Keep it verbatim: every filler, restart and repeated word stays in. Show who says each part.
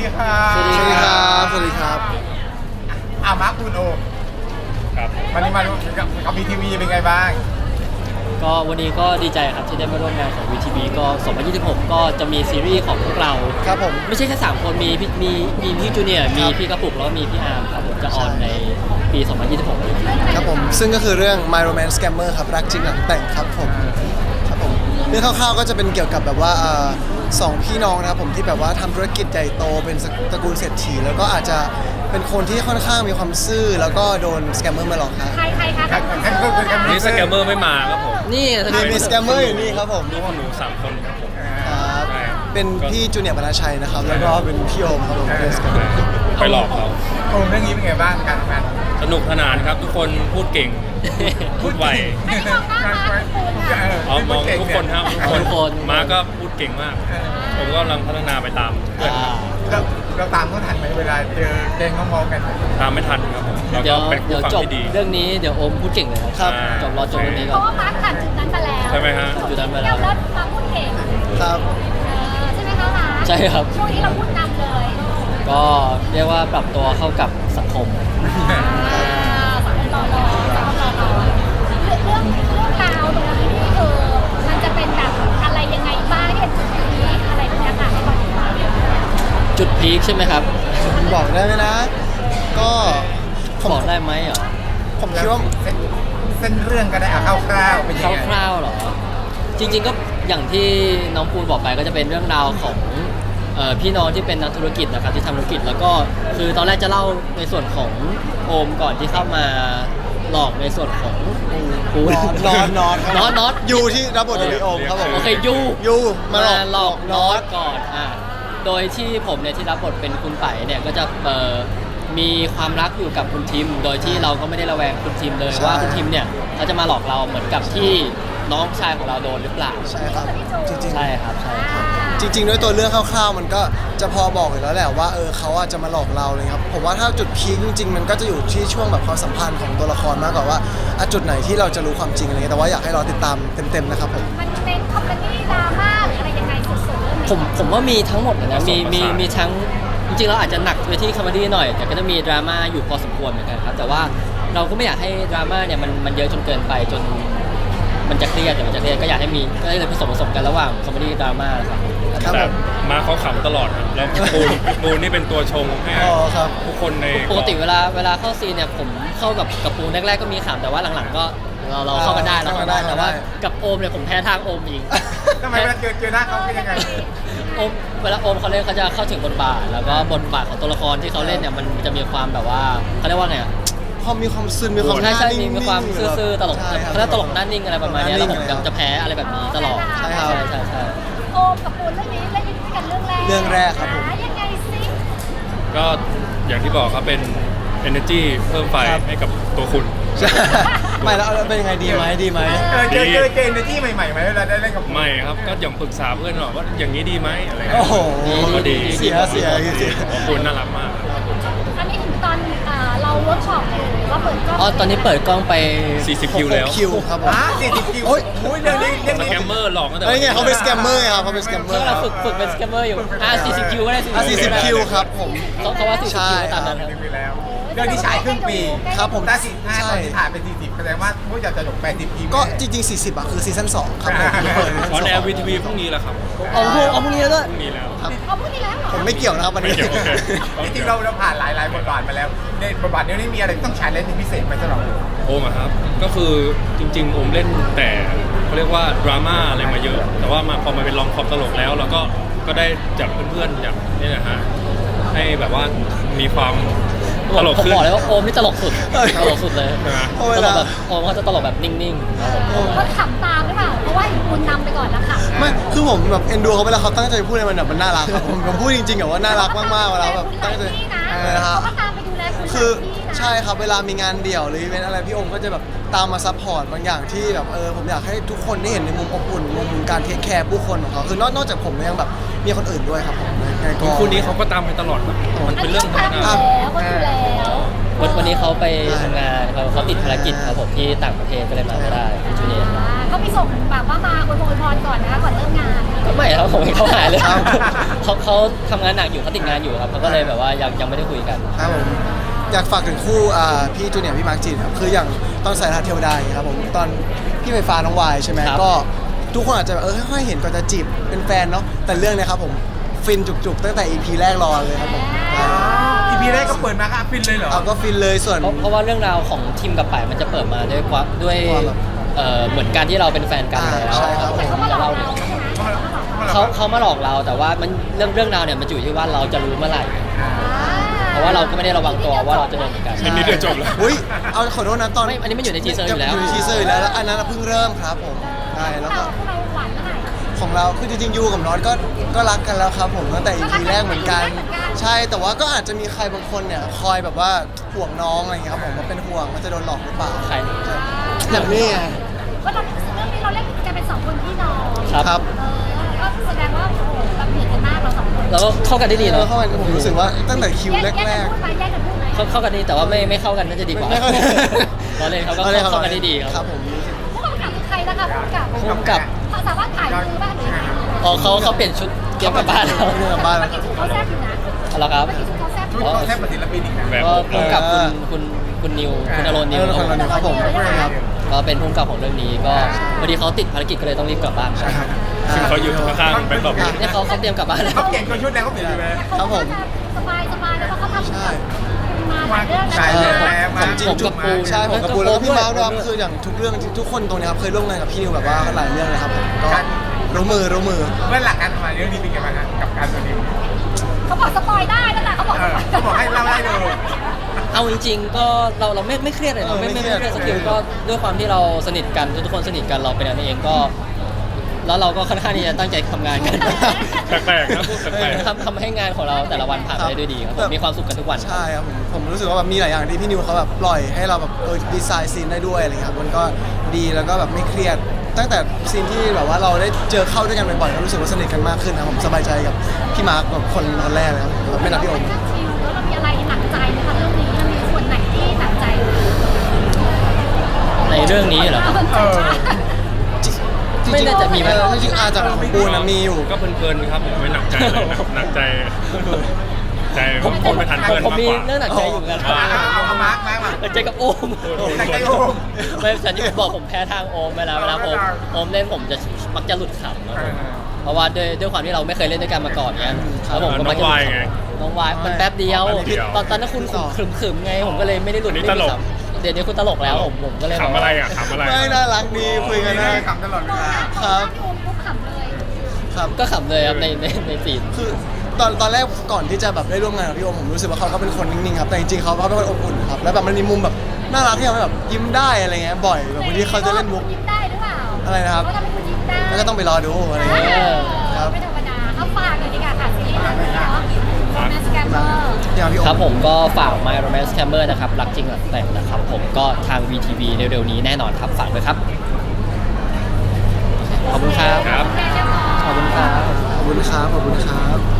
Speaker 1: ค่ะ
Speaker 2: สวัสดีครับสวัสดีครับ
Speaker 1: อามาร์คคุณโอม
Speaker 3: ครับ
Speaker 1: วันนี้มาร่วมกับกับวีทีวีเป็นไงบ้าง
Speaker 2: ก็วันนี้ก็ดีใจครับที่ได้มาร่วมงานของ วี ที วี ก็สองพันยี่สิบหกก็จะมีซีรีส์ของพวกเรา
Speaker 4: ครับผม
Speaker 2: ไม่ใช่แค่สามคนมีพี่มีมีพี่จูเนียร์มีพี่กระปุกแล้วก็มีพี่อาร์มครับผมจะออนในปีสองพันยี่สิบหกนี้
Speaker 4: ครับผมซึ่งก็คือเรื่อง My Romance Scammer ครับรักจริงหลังแต่งครับผมครับผมเรื่องคร่าวๆก็จะเป็นเกี่ยวกับแบบว่าอ่าสองพี่น้องนะครับผมที่แบบว่าทำธุรกิจใหญ่โตเป็นตระกูลเศรษฐีแล้วก็อาจจะเป็นคนที่ค่อนข้างมีความซื่อแล้วก็โดนสแกมเมอร์มาหลอกครับ
Speaker 5: ใครใครคะ
Speaker 1: กันก็คือกัน
Speaker 3: นี่สแกมเมอร์ไม่มาครับผม
Speaker 2: นี่
Speaker 4: มีมีสแกมเมอร์อยู่นี่ครับผม
Speaker 3: รู้ว่าหนูสามคนครับผม
Speaker 4: ครับ
Speaker 3: ใช่
Speaker 4: เป็นพี่จูเนียร์บรรณชัยนะครับแล้วก็เป็นพี่โอมครับผมเป็นสแกมเมอร์
Speaker 3: ไปหลอกเขา
Speaker 1: โอมเรื่องนี้เป็นไงบ้างการทำงาน
Speaker 3: สนุกสนานครับทุกคนพูดเก่งพูดไว
Speaker 5: อันนี้มองหน้ามาคุณนะ
Speaker 3: เอามองทุกคนครับทุกคน
Speaker 2: ทุกคน
Speaker 3: มาก็พูดเก่งมาก ผมก็กำลังพัฒนาไปตามเพื่อน
Speaker 2: อ่า
Speaker 1: เราเราตามเขาทันไหมเวลาเจอแกงน้องๆกัน
Speaker 3: ตามไม่ทันครับผมแล้ว
Speaker 2: เดี๋
Speaker 3: ก็
Speaker 2: ยว
Speaker 3: เป็นผู้
Speaker 2: เดี๋ยว
Speaker 3: ฟัง
Speaker 2: จบ
Speaker 3: ที่ดี
Speaker 2: เรื่องนี้เดี๋ยวโอมพูดเก่งเลยครับ
Speaker 4: ครับ
Speaker 2: จบรอจบเรื่องนี้
Speaker 5: เพ
Speaker 2: ก่อน
Speaker 5: ราะว่ามาร์คผ่านจุดนั้นมาแล้ว
Speaker 3: ใช่ไหมฮะ
Speaker 2: จุดนั้นไป
Speaker 5: แล้
Speaker 2: แล้ว ว
Speaker 5: แล้วมาพูดเก่ง
Speaker 4: ครับ
Speaker 5: เออใช่ไหมคะมาร์ค
Speaker 2: ใช่ครับ
Speaker 5: ช่วงนี้เราพูดนำเลย
Speaker 2: ก็เรียกว่าปรับตัวเข้ากับสังคม
Speaker 5: อ่าสามรอรอสามรอรอเรื่องเรื่องเรื่องราวตรงนี้นี่คือมันจะเป็นแบบอะไรยังไงบ้างเนี่ยจุดนี้อะไรตรงนี้ค่ะให้บอกดีกว่า
Speaker 2: จุดพีคใช่ไหมครับ
Speaker 4: บอกได้ไหมนะ ก็ผม
Speaker 2: บอกได้ไหมเหรอ
Speaker 4: ผมคิดว่า
Speaker 1: เส้นเส้นเรื่องก็ได้เอาคร่าวๆเป็นยังไง
Speaker 2: คร่าวๆเหรอ จริงๆก็อย่างที่น้องปูนบอกไปก็จะเป็นเรื่องราวของเอ่อพี่น้องที่เป็นนักธุรกิจนะครับที่ทำธุรกิจแล้วก็คือตอนแรกจะเล่าในส่วนของโอมก่อนที่เข้ามาหลอกในส่วนของปูน
Speaker 4: นอนนอน
Speaker 2: นอนนอน
Speaker 4: ยูที่รับบทโดยพี่โอมครับผม
Speaker 2: โอเคยู
Speaker 4: ยูมา
Speaker 2: มา
Speaker 4: ห
Speaker 2: ห
Speaker 4: ล
Speaker 2: ล
Speaker 4: อ
Speaker 2: อก ก
Speaker 4: น
Speaker 2: น
Speaker 4: อ
Speaker 2: อ
Speaker 4: ต
Speaker 2: ตก่อนอ่ะโดยที่ผมเนี่ยที่รับบทเป็นคุณไผ่เนี่ยก็จะเอ่อมีความรักอยู่กับคุณทิม โดยที่เราก็ไม่ได้ระแวงคุณทิมเลย
Speaker 4: ใช่
Speaker 2: ว่าคุณทิมเนี่ยเขาจะมาหลอกเราเหมือนกับที่น้องชายของเราโดนหรือเปล่า
Speaker 4: ใช่ครับจริงๆ
Speaker 2: ใช่ครับใช่ครับ
Speaker 4: จริงๆด้วยตัวเรื่องคร่าวๆ มันก็จะพอบอกอยู่แล้วแหละว่าเออเขาอาจจะมาหลอกเราเลยครับผมว่าถ้าจุดพีคจริงๆ มันก็จะอยู่ที่ช่วงแบบความสัมพันธ์ของตัวละครมากกว่าว่าอ่ะจุดไหนที่เราจะรู้ความจริงอะไรเงี้ยแต่ว่าอยากให้เราติดตามเต็มๆนะครับผม
Speaker 5: มันเป็นคอมเมดี้ดราม่าหรืออะไรยังไงสุดๆเรื่องนี้
Speaker 2: ผมผมว่ามีทั้งหมดเลยนะมี
Speaker 3: ผสมผสาน
Speaker 2: มีมีทั้งจริงๆเราอาจจะหนักไปที่คอมเมดี้หน่อย แต่ก็จะมีดราม่าอยู่พอสมควรเหมือนกันครับแต่ว่าเราก็ไม่อยากให้ดราม่าเนี่ยมันมันเยอะจนเกินไปจนมันจะเครียดเดี๋ยวมันจะเครียดก็อยากให้มีก็เลยผสมผสมกันระหว่างคอมเมดี้ดราม่าครับ
Speaker 4: ครับ
Speaker 3: แต่
Speaker 4: ผม
Speaker 3: มาเขาขำตลอดครับแล้วปูนปูนนี่เป็นตัวชงให้
Speaker 4: อ๋อครับ
Speaker 3: ทุกคนใน
Speaker 2: ปกติเวลาเวลาเข้าซีนเนี่ยผมเข้ากับกับปูนแรกๆก็มีขำแต่ว่าหลังๆก็เราเราเข้ากันได้เราเข้ากันได้แต่ว่ากับโอมเนี่ยผมแพ้ทางโอมอีก
Speaker 1: ทำไมเวลาเจอเจอหน้าเขาเป็นยังไง
Speaker 2: โอมเวลาโอมเขาเล่นเขาจะเข้าถึงบทบาท แล้วก็บทบาทของตัวละครที่เขาเล่นเนี่ยมันจะมีความแบบว่าเขาเรียกว่าไงอะ
Speaker 4: พอมีความซึนมีความห
Speaker 2: ใช่
Speaker 4: น้า
Speaker 2: ใช่
Speaker 4: นิ่งๆ
Speaker 2: มีความซื่อๆตลก
Speaker 4: ใช่ครับ
Speaker 2: เขาเรียกตลกหน้านิ่งอะไรประมาณเนี้ยแล้วผม
Speaker 4: หน้านิ่ง
Speaker 2: จะแพ้อะไรแบบนี้ตลอด
Speaker 4: ใช่ครับ
Speaker 2: ใช่ใช่
Speaker 5: โอมกับปูนเรื่องนี้เล่นด้วยกันเรื่องแรก
Speaker 4: เรื่องแรกครับผม
Speaker 5: อ่ายังไงซิ
Speaker 3: ก็อย่างที่บอกครับเป็น energy เพิ่มไฟ
Speaker 4: ครับ
Speaker 3: ให้กับตัวคุณ
Speaker 4: ใช่ไม่แล้วแล้วเป็นยังไงดีไหมดีไหม
Speaker 1: เออเจอเจอเจอในที่ใหม่ๆไหมเวลาได้เล่นกับ
Speaker 3: ไม่ครับก็อย่างปรึกษาเพื่อนหรอกว่าอย่างนี้ดีไหมอะไร
Speaker 4: โอ้โห
Speaker 3: ก็ดี
Speaker 4: เสียเสียเสีย
Speaker 3: ขอบคุณน่ารักมาก
Speaker 5: อันนี้ถึงตอนอ่าเราเวิร์กช็อปเลยหรือว่าเปิดกล้อง
Speaker 2: อ๋อตอนนี้เปิดกล้องไป
Speaker 3: สี่สิบคิวแล้ว
Speaker 4: คิวครับผม
Speaker 1: อ่ะสี่สิบคิว
Speaker 4: โอ้ย
Speaker 1: โอ้ยเรื่องนี้เรื่อง
Speaker 3: ส
Speaker 1: นี้
Speaker 3: แกมเมอร์หลอกตั้งแต่
Speaker 4: เฮ้ยไงเขาเป็นสแกมเมอร์ไงครับเขาเป็นสแกมเมอ
Speaker 2: เมื่อ
Speaker 4: ร์ค
Speaker 2: เรา
Speaker 4: รับ
Speaker 2: ฝึกฝึกเป็นสแกมเมอร์อยู่อ่าสี่สิบคิวก็ได้
Speaker 4: อ่ะสี่สิบคิวครับผม
Speaker 2: เขาเขาว่าสี่สิบคิวก็ตามนั้นครับ
Speaker 1: ไปแล้วเรื่องนี้ฉายครึ่งปี
Speaker 4: ครับผม
Speaker 1: แต่สิบห้า
Speaker 4: ใช่
Speaker 1: ตอนที่ถ่ายเป็นสี่สิบแสดงว่าพวกอยากจะจบแปดสิบคิว
Speaker 4: ก็จริงๆ สี่สิบอ่ะคือซีซั่นสองครับผมที่เปิดซี
Speaker 3: ออน
Speaker 4: ซั่น
Speaker 3: แอ
Speaker 4: สอง
Speaker 3: ร์วีทีวีพรุ่งนี้แหละครับ
Speaker 2: เอาพรุ่งเอาพรุ่งนี้แล้วด้วย
Speaker 3: พรุ่งนี้แล้ว
Speaker 4: ครับ
Speaker 5: เอาพูดทีแล้วเหรอ
Speaker 4: ผมไม่เกี่ยวนะครับวันนี้
Speaker 3: ไม่เกี่ยวโอเค
Speaker 1: จริงๆเราเราผ่านหลายหลายบทบาทมาแล้วในบทบาทนี้นี่มีอะไรที่ต้องใช้เล่นเป็นพิเศษไหมสำหรับเรา
Speaker 3: โอมอะครับ ก็คือจริงๆโอมเล่นแต่เขาเรียกว่าดราม่าอะไรมาเยอะ แต่ว่ามาพอมาเป็นลองคอมตลกแล้วเราก็ก็ได้จากเพื่อนๆจากนี่นะฮะให้แบบว่ามีความตลก
Speaker 2: ผม
Speaker 3: ขึ้น
Speaker 2: บอกเลยว่าโอมนี่ตลกสุดตลกสุดเลย
Speaker 3: ใช่ไหม
Speaker 4: เพราะเว
Speaker 2: ตล
Speaker 4: ลา
Speaker 2: กแบบโอมเขาจะตลกแบบนิ่งๆครับผม
Speaker 5: ก็ขำตามหรือเปล่าเพราะว่าเห็นปูนนำไปก่อนแล้วค่ะ
Speaker 4: ไม่คือผมแบบเอ็นดูเขาเวลาเขาตั้งใจพูดอะไรมันแบบมันน่ารักครับผมผมพูดจริงๆอะว่าน่ารักมากๆเวลาแบบตั้งใจ
Speaker 5: นี่นะ
Speaker 4: อะไรนะครั
Speaker 5: เขา
Speaker 4: บ
Speaker 5: ก็ตามไปดูแลคุณ
Speaker 4: คือ
Speaker 5: ที่นะ
Speaker 4: ใช่ครับเวลามีงานเดี่ยวหรืออีเวนต์อะไรพี่โอมก็จะแบบตามมาซัพพอร์ตบางอย่างที่แบบเออผมอยากให้ทุกคนได้เห็นในมุมอบอุ่นมุมการเทคแคร์ผู้คนของเขาคือนอกนอกจากผมยังแบบมีคนอื่นด้วยครับผมในในกอง
Speaker 3: คู่นี้เขาก็ตามไปตลอดนะมันเป็นเรื่องธรรม
Speaker 5: ตาม
Speaker 3: ดา
Speaker 5: แล้วก็ดูแล้ว
Speaker 4: ค
Speaker 2: วันวันนี้เขาไปทำงานเขาเขาติดภารกิจครับผมที่ต่างประเทศก็เลยมาไม่ได้พี่จูเนียร์
Speaker 5: อ่าก็มีส่งแบบว่ามาอวยพรอวยพรก่อนนะคะก่อนเริ่มงาน
Speaker 2: ก็ไม่ครับผมเห็นเขาหายเลย
Speaker 4: ครับ
Speaker 2: เขาเขาทำงานหนักอยู่เขาติดงานอยู่ครับเขาก็เลยแบบว่ายังยังไม่ได้คุยกัน
Speaker 4: ครับผมอยากฝากถึงคู่อ่าพี่จูเนียร์พี่มาร์คจีนครับคืออย่างตอนสายทานเทวดาอย่างเงี้ยครับผมตอนพี่ไฟฟ้าน้องวายใช่ไหม
Speaker 2: ครับ
Speaker 4: ก็ทุกคนอาจจะแบบเออค่อยๆเห็นก่อนจะจีบเป็นแฟนเนาะแต่เรื่องเนี้ยครับผมฟินจุกๆตั้งแต่ อี พี แรกรอเลยครับผม
Speaker 1: อีพีแรกก็เปิดมาค่ะฟินเลยเหรอ
Speaker 4: เอาก็ฟินเลยส่วน
Speaker 2: เพราะเพราะว่าเรื่องราวของทีมกับป่ายมันจะเปิดมาด้วยความด้วย
Speaker 4: ความแบบ
Speaker 2: เอ่อเหมือนการที่เราเป็นแฟนกันแล้ว
Speaker 4: อ่าใช่ครับ
Speaker 5: แต่เขามาหลอก
Speaker 2: เล่า
Speaker 5: เราใช่ไหม
Speaker 2: เขาเขามาหลอกเราแต่ว่ามันเรื่องเรื่องราวเนี่ยมันอยู่ที่ว่าเราจะรู้เมื่อไหร่ เพราะว่าเราก็ไม่ได้ระวังตัวว่าเราจะโดนเหมือนกัน
Speaker 3: นิดนิดเดียวจบแล้ว
Speaker 4: อุ้ยเอาขอโทษนะตอน
Speaker 2: ไม่อันนี้มันอยู่ในทีเซอร์อยู่แล้ว
Speaker 4: อยู่ในทีเซอร์อยู่แล้วแล้วอันนั้นเพิ่งเริ่มครับผมใช่แล้วก็
Speaker 5: พวกเราหวานเมื่อไหร่
Speaker 4: ของเราคือจริงๆยูกับน็อตก็ก็รักกันแล้วครับผมตั้งแต่ อี พี แรกเหมือนกัน
Speaker 5: เหมือนกัน
Speaker 4: ใช่แต่ว่าก็อาจจะมีใครบางคนเนี่ยคอยแบบว่าห่วงน้องอะไรอย่างเงี้ยครับผมว่าเป็นห่วงว่าจะโดนหลอกหรือเปล่า
Speaker 2: ใคร
Speaker 4: อย่างนี้ไง
Speaker 5: ว่าเราเรื่องนี้เราเล่นกันเป็นสองคนพี่น้อง
Speaker 2: ครับ
Speaker 4: ครับ
Speaker 5: เออก็แสดงว่าโอ้โหเราเหมือนกันมากเราสองคน
Speaker 2: แล้วก็เข้ากันได้ดี
Speaker 4: เอ
Speaker 2: เนาะ
Speaker 4: อเข้ามาผมรู้สึกว่าตั้งแต่คิว
Speaker 5: แยก
Speaker 4: แร
Speaker 5: กัน
Speaker 4: ก
Speaker 5: พูดไหมแยกกันพูดไหม
Speaker 2: เข้าเข้ากันดีแต่ว่าไม่ไม่เข้ากันน่าจะดีกว่า
Speaker 4: ไม่เข้า
Speaker 2: เราเล่นเขาก็
Speaker 4: อล่
Speaker 2: เข้ากันได้ดีค
Speaker 4: ค
Speaker 2: รั
Speaker 4: รั
Speaker 2: บบ
Speaker 4: ผม
Speaker 5: ผู้กำกับคือใครนะคะผู้กำกับ
Speaker 2: พุ่มกับ
Speaker 5: เขาสามารถถ่ายมือบ้างหรือยังไง
Speaker 2: อ๋อเขาเขาเปลี่ยนชุดเตรียมกลับบ้านแล้ว
Speaker 4: เรื่องกลับบ้านแล้วครับ
Speaker 5: เขาแซ่บอยู่นะ
Speaker 2: เอาละครับ
Speaker 5: เมื่อกี้ชุดเขาแซ่บอ
Speaker 1: ชุด
Speaker 5: ยู่
Speaker 1: เขาแทบเป็นศิลปินอีกนะ
Speaker 3: แบบ
Speaker 2: ก็พุ่มกับคุณคุณคุณนิวคุณอรนนิว
Speaker 4: เออคนละนิวครับผมครับ
Speaker 2: ก็เป็นพุ่มกับของเรื่องนี้ก็พอดีเขาติดภารกิจก็เลยต้องรีบกลับบ้าน
Speaker 4: ใช่ครับ
Speaker 3: ซึ่งเขาอยู่ข้างๆแบงค์ตอบ
Speaker 2: เนี่ยเขาเขาเตรียมกลับบ้านแล้ว
Speaker 1: เขาเก่งกว่าชุดแล้วเขาเปลี่ยนไปไหม
Speaker 4: ครับผม
Speaker 5: สบายสบายแล้วเขาทำ
Speaker 4: ใช่
Speaker 5: มาหลายเรื่องนะ
Speaker 1: ใช่
Speaker 2: เออ
Speaker 1: แล้ว
Speaker 2: ผม
Speaker 1: จริง
Speaker 2: ผมกับปู
Speaker 4: ใช่ผมกับปูแล้วก็พี่
Speaker 2: ด้วย
Speaker 4: มาร์คด้วยครับคืออย่างทุกเรื่องทุกคนตรงเนี้ยครับเคยร่วมงานกับพี่นิวแบบว่าหลายเรื่องเลยครับผมก็รู้มือรู้มือ
Speaker 1: เมื่อหลักการทำงานเรื่องนี้เป็นยังไงบ้างฮะกับการตัวนี้
Speaker 5: เขาบอกสปอยได้นั่นแหละเขาบอก
Speaker 1: เออเขาบอกให้เล่าได้เลย
Speaker 2: เอาจริงๆก็เราเราไม่ไม่เครียดเลย
Speaker 4: เอ
Speaker 2: เรา
Speaker 4: อ
Speaker 2: ไม่
Speaker 4: ไม่
Speaker 2: ไม่
Speaker 4: เครียด
Speaker 2: ไม่เครียดสกิลก็ด้วยความที่เราสนิทกันทุกคนสนิทกันเราเป็นกันเองก็ แล้วเราก็ค่อนข้างที่จะตั้งใจทำงานกัน
Speaker 3: แปลกๆนะพูดแปลก
Speaker 2: ทำทำให้งานของเราแต่ละวันผ่านไปได้ด้วยดีครับผมมีความสุขกันทุกวัน
Speaker 4: ใช่ครับผมผมรู้สึกว่าแบบมีหลายอย่างที่พี่นิวเขาแบบปล่อยให้เราแบบเออดีไซน์ซีนได้ด้วยอะไรเงี้ยครับมันก็ดีแล้วก็แบบไม่เครียด ตั้งแต่ซีนที่แบบว่าเราได้เจอเข้าด้วยกันบ่อยๆก็รู้สึกว่าสนิทกันมากขึ้นนะครับผมสบายใจกับพี่มาร์คแบบคนคนแรกเลยครับผมไม่นับพี่โอม
Speaker 5: เรื่องคิวแล้วเรามีอะไรหนักใจไหมคะเรื่องนี้มันมีส่วนไหนที่หนักใจ
Speaker 2: ในเรื่องนี้เหรอครับ
Speaker 1: เออ
Speaker 4: จริงๆ
Speaker 2: ไม่น่าจะมีไหม
Speaker 4: เออจริงๆอาจจะของปูนนะมีอยู่
Speaker 3: ๆก็เพลินๆครับผมไม่หนักใจเลยนะหนักใจ ใจผมผมไม่ทันเพื่อน
Speaker 2: ผม
Speaker 3: มาก
Speaker 2: มี
Speaker 3: กว่า
Speaker 2: เรื่องหนักใจอยู่เหมือนกัน
Speaker 3: อ่า
Speaker 1: เอาเอามาร์คมาร์คมา
Speaker 2: หนักใจกับโอม
Speaker 1: หนักใจโอม
Speaker 2: ไม่ฉันที่บอกผมแพ้ทางโอมเวลาเวลาโอมโอมเล่นผมจะมักจะหลุดขำครับผมเพราะว่าด้วยด้วยความที่เราไม่เคยเล่นด้วยกันมาก่อนเนี้ยแล้วผมก็มักจะหลุดขำน้องวายมันแป๊บเดียว
Speaker 3: แป๊บเดียว
Speaker 2: ตอนตอนนั้นคุณขึมขึมๆไงผมก็เลยไม่ได้หลุด
Speaker 3: อันนี้
Speaker 2: ไม่ได้
Speaker 3: ตลก
Speaker 2: ขำเดี๋ยวนี้คุณตลกแล้วผมผมก็เลยแบบ
Speaker 3: ขำอะไรอ่ะขำอะไร
Speaker 4: ไม่น่ารักดีคุยกันได้
Speaker 1: ขำตลอดเวลา
Speaker 4: ครับ
Speaker 5: พี่โอมปุ๊บขำเลย
Speaker 4: ครับ
Speaker 2: ก็ขำเลยครับในในในซีน
Speaker 4: คือตอนตอนแรกก่อนที่จะแบบได้ร่วมงานกับพี่โอมผมรู้สึกว่าเขาก็เป็นคนนิ่งๆครับแต่จริงๆเขาเขาเป็นคนอบอุ่นครับแล้วแบบมันมีมุมแบบน่ารักที่ทำให้แบบยิ้มได้อะไรเงี้ยบ่อยแบบบางทีเขาจะเล่นมุก
Speaker 5: ยิ้มได้หรือเปล่า
Speaker 4: อะไรนะครับ
Speaker 5: เขาทำให้คุณยิ้มได้
Speaker 4: แล้วก็ต้องไปรอดูอะไร
Speaker 5: เอ
Speaker 4: เงี้ย
Speaker 5: อ
Speaker 4: ครับ
Speaker 5: ไม่ธรรมดาเอาฝากเลยดีกว่าค่ะซีรีส์เรื่องนี้เนาะ Romance Scammer
Speaker 4: อย่างพี่โอ
Speaker 2: ครับ
Speaker 4: ม
Speaker 2: ผมก็ฝาก My Romance Scammer นะครับรักจริงหลักแต่งนะครับผมก็ทาง วี ที วี เร็วๆนี้แน่นอนครับฝากด้วยครับ ขอบคุณครับ
Speaker 3: ครับ
Speaker 2: ขอบคุณครับ
Speaker 4: ขอบคุณครับขอบคุณครับ